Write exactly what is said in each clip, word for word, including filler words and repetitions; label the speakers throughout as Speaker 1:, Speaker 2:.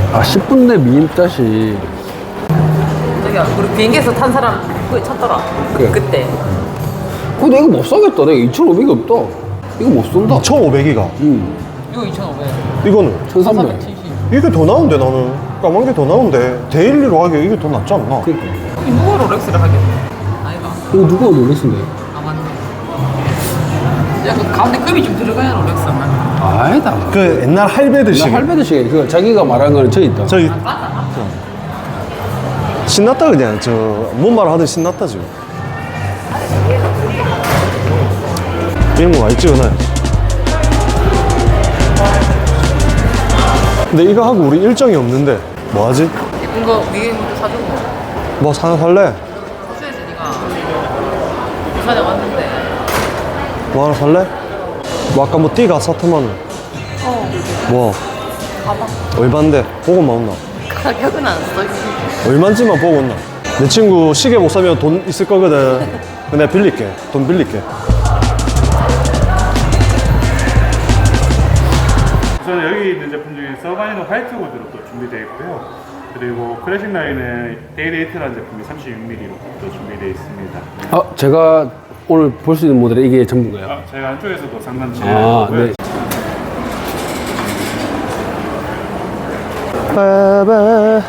Speaker 1: 아, 십 분 내 미인따시.
Speaker 2: 저기야, 우리 비행기에서 탄 사람 그거 찾더라.
Speaker 1: 그래.
Speaker 2: 그때.
Speaker 1: 근데 이거 못 사겠다. 내가 이천오백이 없다. 이거 못 쏜다.
Speaker 3: 이천오백이가.
Speaker 1: 응.
Speaker 2: 이거 이천오백.
Speaker 3: 이거는
Speaker 1: 천삼백.
Speaker 2: 칠십.
Speaker 3: 이게 더 나은데 나는 까만 게 더 나은데 데일리로 하기에 이게 더 낫지 않나?
Speaker 1: 그니까.
Speaker 2: 누가 롤렉스를 하겠네. 아이가.
Speaker 1: 이거 누가 롤렉스인데?
Speaker 2: 아, 맞네. 야, 그 가운데 금이 좀 들어가야 롤렉스만.
Speaker 1: 아니다.
Speaker 3: 그 옛날 할배드식.
Speaker 1: 할배드식. 그 자기가 말한 거는 저 있다.
Speaker 3: 저기
Speaker 2: 맞다, 맞다.
Speaker 3: 신났다 그냥 저 뭔 말 하든 신났다 지금. 이런 거 많이 찍어놔요. 근데 이거 하고 우리 일정이 없는데 뭐 하지?
Speaker 2: 예쁜 거 위에 있는 거 사주고.
Speaker 3: 뭐 하나 살래?
Speaker 2: 사줘야지, 니가. 부산에 왔는데.
Speaker 3: 뭐 하나 살래? 뭐 아까 뭐 띠가 사트만 원.
Speaker 2: 어.
Speaker 3: 뭐
Speaker 2: 가방.
Speaker 3: 얼만데? 보고만 온나?
Speaker 2: 가격은 안 써있어.
Speaker 3: 얼만지만 보고 온나? 내 친구 시계 못 사면 돈 있을 거거든. 내가 빌릴게. 돈 빌릴게.
Speaker 4: 우선 여기 있는 제품 중에 서바이너 화이트 보드로 또 준비되어 있고요. 그리고 클래식 라인은 데이데이트라는 제품이 삼십육 밀리미터로 또 준비되어 있습니다.
Speaker 1: 아, 제가 오늘 볼 수 있는 모델이 이게 전부인가요?
Speaker 4: 아, 저희가 안쪽에서도 상담
Speaker 1: 아,
Speaker 4: 진행하고요.
Speaker 1: 네.
Speaker 3: 빠바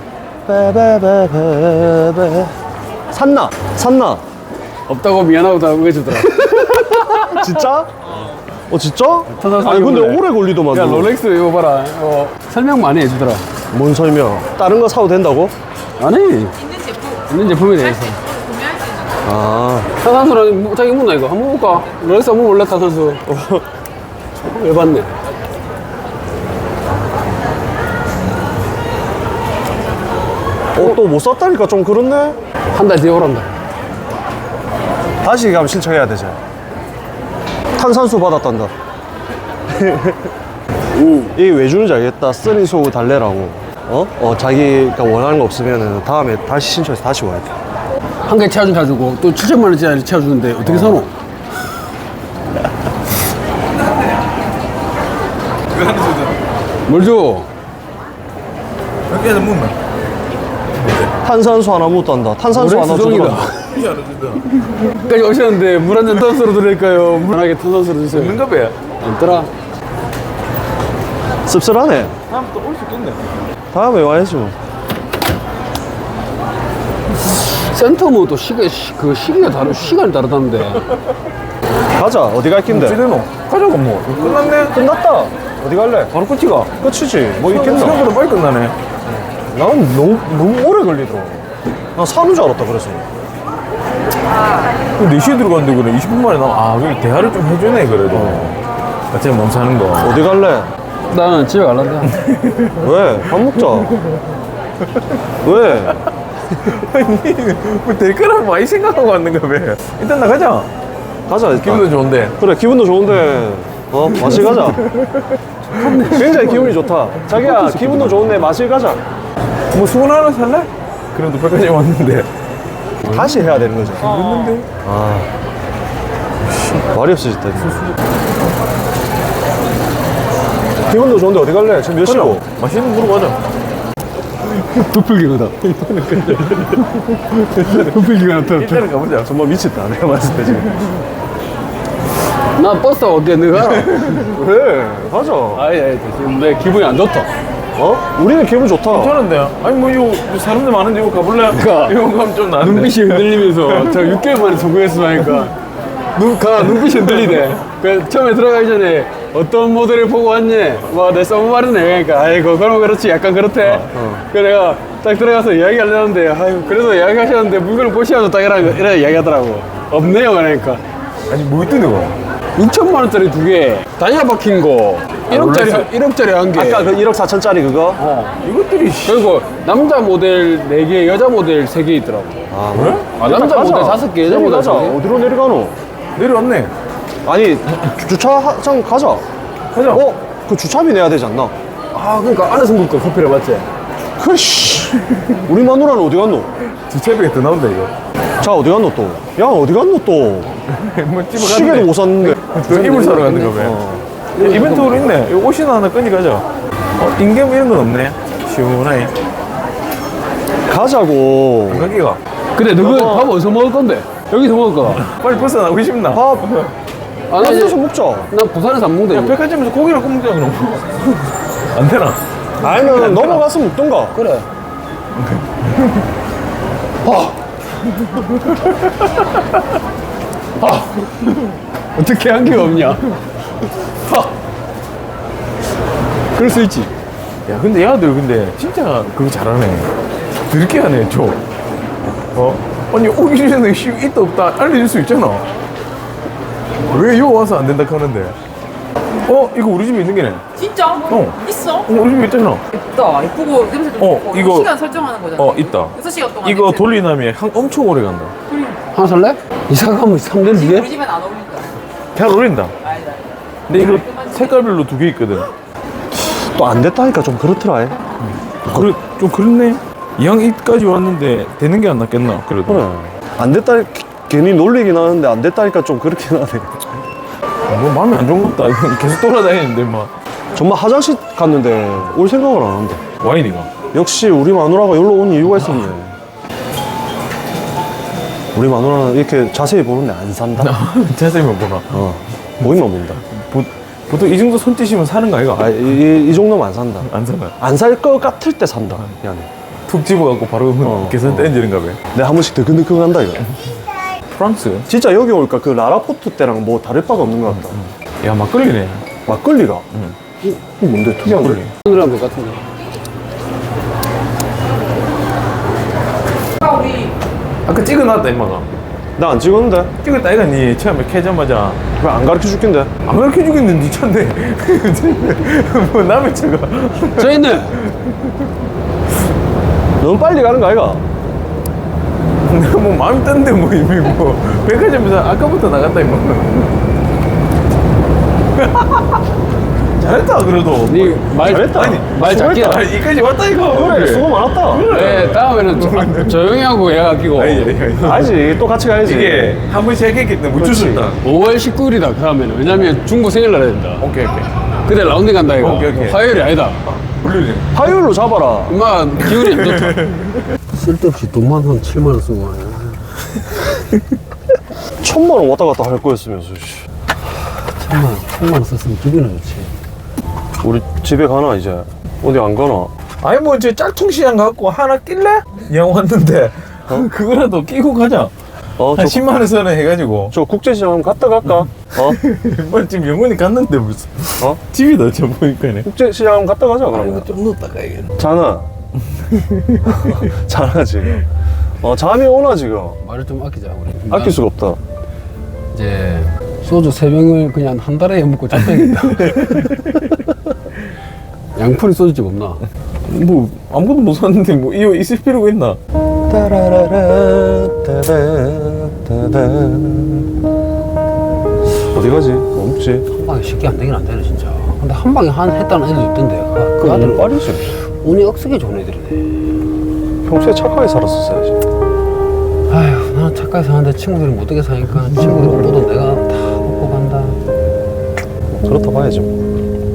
Speaker 3: 빠바바바바 샀나? 샀나?
Speaker 1: 없다고 미안하고 다 우겨주더라.
Speaker 3: 진짜? 어 진짜?
Speaker 1: 터져서
Speaker 3: 아니 근데
Speaker 1: 이거네.
Speaker 3: 오래 걸리더만.
Speaker 1: 야, 롤렉스 이거 봐라. 이거 설명 많이 해주더라.
Speaker 3: 뭔 설명? 다른 거 사도 된다고?
Speaker 1: 아니,
Speaker 2: 있는 제품.
Speaker 1: 있는 제품에 대해서.
Speaker 2: 구매할 수 있는 거.
Speaker 3: 아
Speaker 1: 타산수랑 자기 묻나 이거? 한번 볼까? 롤렉스 한번 볼래, 타산수? 왜 봤네?
Speaker 3: 어, 또 못 샀다니까 좀 그렇네?
Speaker 1: 한 달 뒤에 오란다.
Speaker 3: 다시 가면 신청해야 되지. 탄산수 받았단다. 이게 왜 주는지 알겠다. 쓰리 소우 달래라고. 어? 어, 자기가 원하는 거 없으면 다음에 다시 신청해서 다시 와야 돼.
Speaker 1: 한 개 채워준 가지고 또 칠천만 원짜리 채워주는데 어떻게 사노? 뭘 줘?
Speaker 3: 탄산수 하나 못 단다. 탄산수 하나
Speaker 1: 수정이다.
Speaker 3: 주더라.
Speaker 1: 까지 오셨는데 물 한 잔 탄수로 드릴까요? 물 하게 탄산수로 주세요.
Speaker 5: 있는가 봐요.
Speaker 1: 없더라.
Speaker 3: 씁쓸하네.
Speaker 5: 다음 또 올 수 있겠네.
Speaker 3: 다음에 와야지 뭐.
Speaker 1: 센터 뭐또 시계 시- 그 시기가 다르 시간이 다르다는데.
Speaker 3: 가자. 어디 갈 낀데?
Speaker 5: 어찌되노? 가자고 뭐. 끝났네.
Speaker 3: 끝났다. 어디 갈래?
Speaker 5: 바로 끝이가.
Speaker 3: 끝이지. 뭐 있겠나?
Speaker 5: 생각보다 빨리 끝나네.
Speaker 3: 나는 너무, 너무 오래 걸리더라. 나 사는 줄 알았다, 그래서.
Speaker 5: 네 시에 들어갔는데 그래. 이십 분 만에 나, 아, 여기 대화를 좀 해주네, 그래도. 어차피 몸 사는 거.
Speaker 3: 어디 갈래?
Speaker 1: 나는 집에 갈란다.
Speaker 3: 왜? 밥 먹자. 왜?
Speaker 5: 뭐 될 거라고 많이 생각하고 왔는가 봐. 일단 나가자.
Speaker 3: 가자, 일단.
Speaker 5: 기분도 좋은데.
Speaker 3: 그래, 기분도 좋은데, 어, 마실 가자. 굉장히 기분이 좋다. 자기야, 기분도 좋은데 마실 가자.
Speaker 5: 뭐 수건 하나 살래? 그래도 백화점 왔는데.
Speaker 3: 다시 해야 되는 거지.
Speaker 5: 있는데?
Speaker 3: 아. 말이 없어졌다. 이제. 기분도 좋은데 어디 갈래? 지금 몇 시고?
Speaker 5: 맛있는 거 보러 가자.
Speaker 1: 부풀기거다. 부풀기가 나타났다.
Speaker 5: 일단은 가보자.
Speaker 3: 정말 미쳤다. 내가 봤을 때 지금.
Speaker 1: 나 버스 어디야? 너가 알아?
Speaker 3: 그래, 가자.
Speaker 1: 아니, 아니, 지금 내 기분이 안 좋다.
Speaker 3: 어? 우리는 기분 좋다.
Speaker 5: 괜찮은데? 아니, 뭐, 이거 사람들 많은데 이거 가볼래?
Speaker 1: 그러니까.
Speaker 5: 이거 가면 좀 나은데.
Speaker 1: 눈빛이 흔들리면서 저 육 개월 만에 성공했어 하니까 눈, 가, 눈빛이 흔들리네. 그 처음에 들어가기 전에 어떤 모델을 보고 왔니? 뭐, 내 써머마르네. 그러니까, 아이고, 그럼 그렇지. 약간 그렇대. 그래서 내가 딱 들어가서 이야기 하려는데, 아이고, 그래도 이야기 하셨는데 물건을 보시면서 딱 이래, 이래 이야기 하더라고. 없네요. 그러니까.
Speaker 5: 아니, 뭐 있던 이거?
Speaker 1: 육천만 원짜리 두 개, 다이아 박힌 거, 일억짜리, 일억짜리 한 개.
Speaker 3: 아까 그 일억 사천짜리 그거?
Speaker 1: 어.
Speaker 5: 이것들이, 씨.
Speaker 1: 그리고 남자 모델 네 개, 여자 모델 세 개 있더라고.
Speaker 3: 아, 그래?
Speaker 1: 아, 남자 모델 다섯 개, 여자 모델
Speaker 3: 가자.
Speaker 1: 세 개.
Speaker 3: 어디로 내려가노?
Speaker 5: 내려왔네.
Speaker 3: 아니, 주- 주차장 가자.
Speaker 5: 가자.
Speaker 3: 어? 그 주차비 내야 되지 않나?
Speaker 1: 아, 그러니까 안에서 먹을까 커피를 맞지?
Speaker 3: 그, 씨. 우리 마누라는 어디 갔노?
Speaker 5: 주차비가 더 나온다, 이거.
Speaker 3: 자, 어디 갔노 또? 야, 어디 갔노 또?
Speaker 5: 뭐
Speaker 3: 시계도 못 샀는데.
Speaker 5: 또 이불 사러 갔는가 봐.
Speaker 3: 어.
Speaker 5: 이벤트로 있네. 이거 옷이나 하나 끈이 가자. 어, 인겜 이런 건 없네. 시원하게.
Speaker 3: 가자고.
Speaker 5: 가기가.
Speaker 1: 근데 너그
Speaker 3: 여보.
Speaker 1: 밥 어디서 먹을 건데? 여기서 먹을 거다.
Speaker 5: 빨리 벗어나고 싶나?
Speaker 3: 밥.
Speaker 1: 아, 나
Speaker 3: 여기서
Speaker 1: 이제
Speaker 3: 먹자.
Speaker 1: 난 부산에서 안 먹는데.
Speaker 5: 야, 백화점에서 고기를 꼭 먹자, 그럼. 안 되나?
Speaker 3: 아니면 넘어가서 먹던가.
Speaker 1: 그래. 아. 아. 어떻게 한 게 없냐? 아. 그럴 수 있지.
Speaker 5: 야, 근데 얘들 근데 진짜 그거 잘하네. 드럽게 하네, 좀. 어? 아니, 오기 전에 씨, 있다 없다 알려줄 수 있잖아. 왜 요 와서 안 된다 하는데? 어? 이거 우리 집에 있는 게네.
Speaker 2: 진짜?
Speaker 5: 어.
Speaker 2: 있어?
Speaker 5: 어, 우리 집에 있잖아.
Speaker 2: 있다. 이쁘고 냄새 좀
Speaker 5: 어,
Speaker 2: 좋고.
Speaker 5: 이거-
Speaker 2: 시간 설정하는 거잖아.
Speaker 5: 어, 있다.
Speaker 2: 여섯 시간 동안.
Speaker 5: 이거
Speaker 2: 냄새.
Speaker 5: 돌리나면 향 엄청 오래 간다.
Speaker 1: 하나 살래? 이사 가면 삼 년
Speaker 2: 우리
Speaker 1: 뒤에?
Speaker 2: 집엔 안 어울린다.
Speaker 5: 잘 어울린다.
Speaker 2: 아니다.
Speaker 5: 근데 이거 색깔별로 두 개 있거든.
Speaker 3: 또 안 됐다니까 좀 그렇더라. 얘.
Speaker 5: 그래, 좀 그렇네. 이 향까지 왔는데 되는 게 안 낫겠나? 그래도.
Speaker 3: 그래. 안 됐다 괜히 놀리긴 하는데 안 됐다니까 좀 그렇긴 하네.
Speaker 5: 뭐 마음에 안 좋은 것도 아니고 계속 돌아다니는데 막
Speaker 3: 정말 화장실 갔는데 올 생각을 안 한다.
Speaker 5: 와인이가.
Speaker 3: 역시 우리 마누라가 여기로 온 이유가 있었네. 우리 마누라는 이렇게 자세히 보는데 안 산다.
Speaker 5: 자세히만 보나.
Speaker 3: 어, 모임만 본다.
Speaker 5: 보, 보통 이 정도 손짓이면 사는 거 아이가?
Speaker 3: 아, 이, 이 정도면 안 산다.
Speaker 5: 안 사나.
Speaker 3: 안 살 것 같을 때 산다. 그냥.
Speaker 5: 툭 집어갖고 바로
Speaker 3: 어,
Speaker 5: 계산
Speaker 3: 어.
Speaker 5: 떼지는가 봐.
Speaker 3: 내가 한 번씩 드근드근 한다 이거.
Speaker 5: 프랑스.
Speaker 3: 진짜 여기 올까 그 라라포트 때랑 뭐 다를 바가 없는 것 같다.
Speaker 5: 야, 막걸리네.
Speaker 3: 막걸리가.
Speaker 5: 응.
Speaker 3: 이- 이거 뭔데 특이한 거?
Speaker 5: 막걸리.
Speaker 1: 그런 것 같은데.
Speaker 2: 아, 우리
Speaker 5: 아까 찍어놨다, 임마가.
Speaker 3: 나 안 찍었는데.
Speaker 5: 찍었다, 이가 니 처음에 캐자마자.
Speaker 3: 왜 안 가르쳐 줄긴데?
Speaker 5: 안 가르쳐주겠는 니 차인데. 뭐 남의 차가.
Speaker 1: 저 있네.
Speaker 3: 너무 빨리 가는 거 아이가?
Speaker 5: 내가 뭐 마음이 떴는데 뭐 이미 뭐. 백화점에서 아까부터 나갔다, 임마. 잘했다, 그래도.
Speaker 1: 니말
Speaker 3: 잘했다.
Speaker 5: 아니,
Speaker 1: 말 작게
Speaker 5: 아,
Speaker 1: 해라.
Speaker 5: 이까지 왔다, 이거.
Speaker 3: 그래, 수고 많았다.
Speaker 1: 네, 다음에는 조, 조용히 하고 얘가 끼고.
Speaker 5: 아니, 아니, 아니.
Speaker 3: 알지, 또 같이 가야지.
Speaker 5: 이게 한 번씩 했기 때문에 못 줄었다.
Speaker 1: 오월 십구일이다 그러면. 왜냐면 중국 생일날 해야 된다.
Speaker 5: 오케이, 오케이.
Speaker 1: 그때 라운딩 간다 이거.
Speaker 5: 오케이, 오케이.
Speaker 1: 화요일이 아니다.
Speaker 5: 물론이네.
Speaker 3: 화요일로 잡아라.
Speaker 1: 엄마 기운이 안 좋다. 쓸데없이 돈만 한 칠만 원 쓰고 하네.
Speaker 3: 천만 원 왔다 갔다 할 거였으면서. 씨.
Speaker 1: 천만 원, 천만 원 썼으면 기분이 좋지.
Speaker 3: 우리 집에 가나 이제? 어디 안 가나?
Speaker 5: 아니 뭐 이제 짝퉁 시장 갖고 하나 낄래? 양 왔는데 어? 그거라도 끼고 가자.
Speaker 3: 어,
Speaker 5: 한
Speaker 3: 저,
Speaker 5: 십만 원 선에 해가지고.
Speaker 3: 저 국제시장 한번 갔다 갈까? 어?
Speaker 5: 뭐 지금 영원히 갔는데 무슨?
Speaker 3: 어?
Speaker 5: 집이다 저 보니까네.
Speaker 3: 국제시장 한번 갔다 가자 그러면.
Speaker 5: 좀 넣었다 가야겠네.
Speaker 3: 자나. 자나 지금. 어, 잠이 오나 지금.
Speaker 1: 말을 좀 아끼자 우리.
Speaker 3: 아낄 수가 없다.
Speaker 1: 이제 소주 세 병을 그냥 한 달에 먹고 잡혀야겠다. 양푼이 소주집 없나?
Speaker 5: 뭐 아무것도 못 샀는데 뭐 이거 있을 필요가 있나?
Speaker 3: 따라라라, 따다따다. 어디 가지? 없지.
Speaker 1: 한 방에 쉽게 안 되긴 안 되네 진짜. 근데 한 방에 한 했다는 애들도 있던데. 아, 그
Speaker 3: 그
Speaker 1: 아들은
Speaker 3: 아들 빠르지.
Speaker 1: 운이 억세게 좋은 애들이네.
Speaker 3: 평소에 착하게 살았었어야지.
Speaker 1: 아휴, 나는 착하게 사는데 친구들이 못되게 사니까 친구들 옷 보던 내가 다 먹고 간다.
Speaker 3: 그렇다 봐야지. 뭐.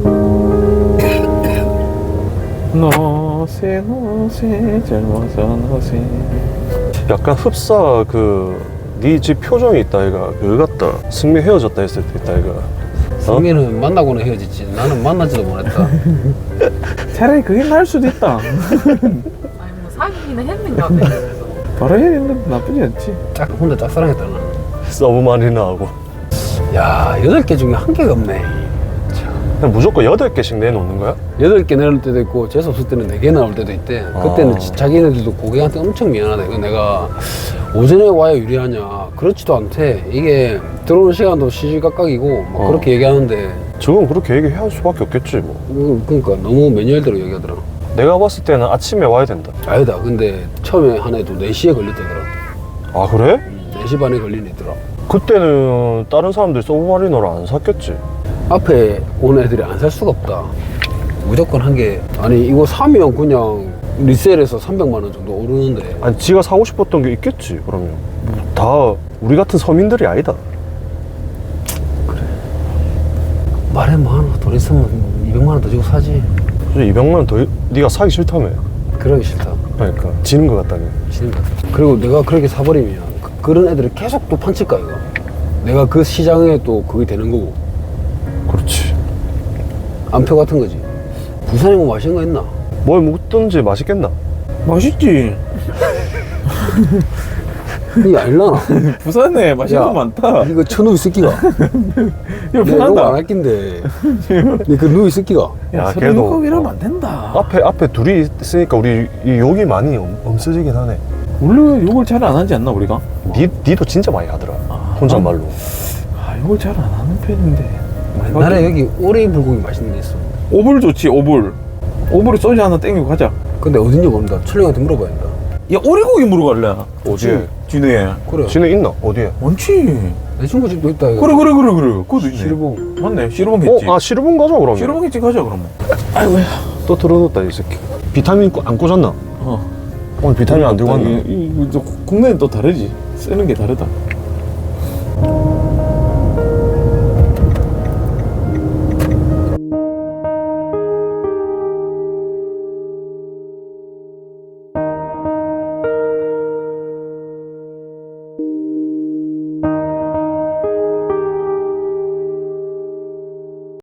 Speaker 5: 너세 너세 젊어서 너세.
Speaker 3: 약간 흡사 그 네 집 표정이 있다 이가 그거 같다. 승미 헤어졌다 했을 때 있다 이가.
Speaker 1: 승민은 만나고는 헤어졌지. 나는 만나지도 못했다.
Speaker 5: 차라리 그게 나을 수도 있다.
Speaker 2: 아니 뭐 사귀기는 했는가 봐.
Speaker 5: 바로 해야 되는데 나쁘지 않지.
Speaker 1: 짝 혼자 짝사랑했다 나는.
Speaker 3: 서브 마리나 하고.
Speaker 1: 야, 여덟 개 중에 한 개가 없네.
Speaker 3: 그냥 무조건 여덟 개씩 내놓는 거야?
Speaker 1: 여덟 개 내놓을 때도 있고 재수 없을 때는 네 개 나올 때도 있대. 그때는
Speaker 3: 아.
Speaker 1: 지- 자기네들도 고객한테 엄청 미안하다. 이거 내가 오전에 와야 유리하냐? 그렇지도 않대. 이게 들어오는 시간도 시시각각이고 막
Speaker 3: 어.
Speaker 1: 그렇게 얘기하는데
Speaker 3: 지금 그렇게 얘기할 수밖에 없겠지 뭐.
Speaker 1: 음, 그러니까 너무 매뉴얼대로 얘기하더라.
Speaker 3: 내가 봤을 때는 아침에 와야 된다.
Speaker 1: 아니다. 근데 처음에 한 애도 네 시에 걸렸다더라.
Speaker 3: 아 그래?
Speaker 1: 네 시 반에 걸린 애더라.
Speaker 3: 그때는 다른 사람들이 서브 마리너를 안 샀겠지.
Speaker 1: 앞에 온 애들이 안 살 수가 없다. 무조건 한 개. 아니 이거 사면 그냥 리셀에서 삼백만 원 정도 오르는데.
Speaker 3: 아니 지가 사고 싶었던 게 있겠지. 그러면 다 우리 같은 서민들이 아니다.
Speaker 1: 말해 뭐 하나 돈 있으면 이백만 원 더 주고 사지.
Speaker 3: 이백만 원 더 네가 사기 싫다며.
Speaker 1: 그러기 싫다.
Speaker 3: 그러니까 지는 것 같다며.
Speaker 1: 지는 것 같아. 그리고 내가 그렇게 사버리면 그, 그런 애들이 계속 또 판칠까 이거. 내가 그 시장에 또 그게 되는 거고.
Speaker 3: 그렇지.
Speaker 1: 안표 같은 거지. 부산에 뭐 맛있는 거 있나?
Speaker 3: 뭘 먹든지 맛있겠나?
Speaker 5: 맛있지.
Speaker 1: 이게 알라나?
Speaker 5: 부산에 맛있는 거 많다.
Speaker 1: 이거 천우이 새끼가.
Speaker 5: 야,
Speaker 1: 내가
Speaker 5: 부산다.
Speaker 1: 이거 안 할긴데. 그 누이 새끼가.
Speaker 5: 야,
Speaker 3: 야,
Speaker 5: 서른
Speaker 3: 걔도-
Speaker 5: 일곱 이러면 안 된다.
Speaker 3: 앞에 앞에 둘이 있으니까 우리 이 욕이 많이 엄, 엄스지긴 하네.
Speaker 5: 원래 욕을 잘 안 하지 않나 우리가?
Speaker 3: 니 니도 진짜 많이 하더라.
Speaker 5: 아,
Speaker 3: 혼잣말로.
Speaker 5: 아, 욕을 잘 안 하는 편인데.
Speaker 1: 나는 여기 오리 불고기 맛있는 데 있어.
Speaker 5: 오불 좋지, 오불. 오불에 소주 하나 땡기고 가자. 근데
Speaker 1: 근데 어딘지 모른다. 철령한테 물어봐야 된다.
Speaker 5: 야, 오리고기 물어갈래?
Speaker 3: 어디에?
Speaker 5: 진해.
Speaker 1: 그래.
Speaker 3: 진에 있나? 어디에?
Speaker 5: 많지.
Speaker 1: 내 친구 집도 있다. 이거.
Speaker 5: 그래, 그래, 그래, 그래. 그것도 있네.
Speaker 1: 시르봉.
Speaker 5: 맞네, 시르봉 했지.
Speaker 3: 어, 아 시르봉 가자 그러면.
Speaker 5: 시르봉 했지, 가자, 그러면. 아이고야.
Speaker 3: 또 틀어놓았다 이 새끼. 비타민 꽂- 안 꽂았나?
Speaker 5: 어.
Speaker 3: 오늘 비타민 안 들고 왔나?
Speaker 5: 이, 이, 이, 또 국내는 또 다르지. 쓰는 게 다르다.